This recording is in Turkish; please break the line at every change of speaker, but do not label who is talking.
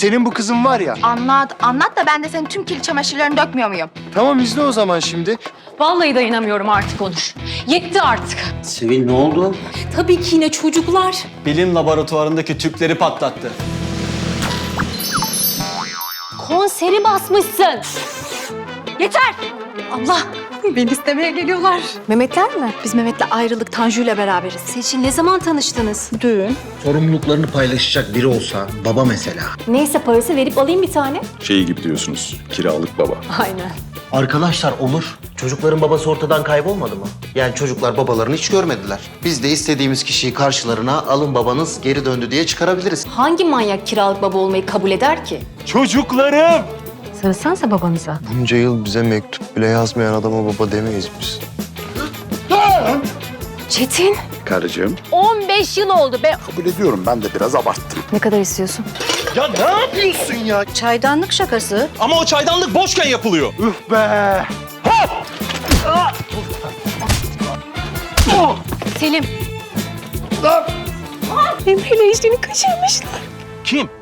Senin bu kızın var ya.
Anlat, anlat da ben de senin tüm kirli çamaşırlarını dökmüyor muyum?
Tamam izle o zaman şimdi.
Vallahi dayanamıyorum artık Onur. Yetti artık.
Sevil ne oldu?
Tabii ki yine çocuklar.
Bilim laboratuvarındaki tüpleri patlattı.
Konseri basmışsın. Yeter! Allah! Beni istemeye geliyorlar.
Mehmetler mi? Biz Mehmet'le ayrılık Tanju'yla beraberiz.
Seçil ne zaman tanıştınız?
Düğün.
Sorumluluklarını paylaşacak biri olsa, baba mesela.
Neyse parası verip alayım bir tane.
Şey gibi diyorsunuz, kiralık baba.
Aynen.
Arkadaşlar olur. Çocukların babası ortadan kaybolmadı mı? Yani çocuklar babalarını hiç görmediler. Biz de istediğimiz kişiyi karşılarına alın babanız geri döndü diye çıkarabiliriz.
Hangi manyak kiralık baba olmayı kabul eder ki?
Çocuklarım!
Sarılsanıza babanıza.
Bunca yıl bize mektup bile yazmayan adama baba demeyiz biz.
Çetin.
Karıcığım.
15 yıl oldu be.
Kabul ediyorum, ben de biraz abarttım.
Ne kadar istiyorsun?
Ya ne yapıyorsun ya?
Çaydanlık şakası.
Ama o çaydanlık boşken yapılıyor.
Üf be!
Selim. Emre'yle işini kaçırmışlar.
Kim?